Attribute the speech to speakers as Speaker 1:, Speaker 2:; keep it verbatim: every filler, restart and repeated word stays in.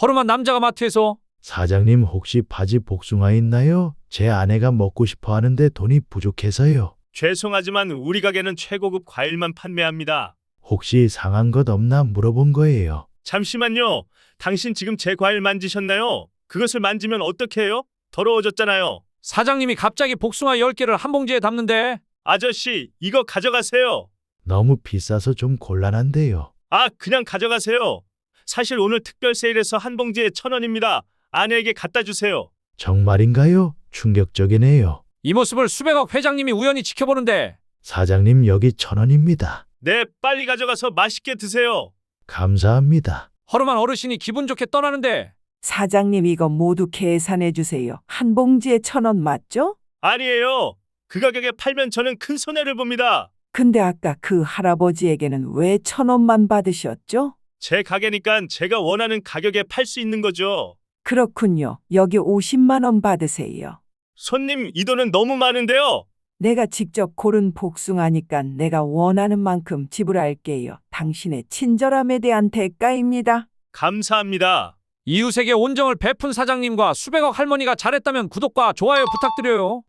Speaker 1: 허름한 남자가 마트에서
Speaker 2: 사장님 혹시 바지 복숭아 있나요? 제 아내가 먹고 싶어 하는데 돈이 부족해서요.
Speaker 3: 죄송하지만 우리 가게는 최고급 과일만 판매합니다.
Speaker 2: 혹시 상한 것 없나 물어본 거예요.
Speaker 3: 잠시만요. 당신 지금 제 과일 만지셨나요? 그것을 만지면 어떻게 해요? 더러워졌잖아요.
Speaker 1: 사장님이 갑자기 복숭아 열 개를 한 봉지에 담는데
Speaker 3: 아저씨, 이거 가져가세요.
Speaker 2: 너무 비싸서 좀 곤란한데요.
Speaker 3: 아, 그냥 가져가세요. 사실 오늘 특별 세일에서 한 봉지에 천 원입니다. 아내에게 갖다 주세요.
Speaker 2: 정말인가요? 충격적이네요.
Speaker 1: 이 모습을 수백억 회장님이 우연히 지켜보는데
Speaker 2: 사장님 여기 천 원입니다.
Speaker 3: 네, 빨리 가져가서 맛있게 드세요.
Speaker 2: 감사합니다.
Speaker 1: 허름한 어르신이 기분 좋게 떠나는데
Speaker 4: 사장님 이거 모두 계산해 주세요. 한 봉지에 천 원 맞죠?
Speaker 3: 아니에요. 그 가격에 팔면 저는 큰 손해를 봅니다.
Speaker 4: 근데 아까 그 할아버지에게는 왜 천 원만 받으셨죠?
Speaker 3: 제 가게니까 제가 원하는 가격에 팔 수 있는 거죠.
Speaker 4: 그렇군요. 여기 오십만 원 받으세요.
Speaker 3: 손님, 이 돈은 너무 많은데요.
Speaker 4: 내가 직접 고른 복숭아니까 내가 원하는 만큼 지불할게요. 당신의 친절함에 대한 대가입니다.
Speaker 3: 감사합니다.
Speaker 1: 이웃에게 온정을 베푼 사장님과 수백억 할머니가 잘했다면 구독과 좋아요 부탁드려요.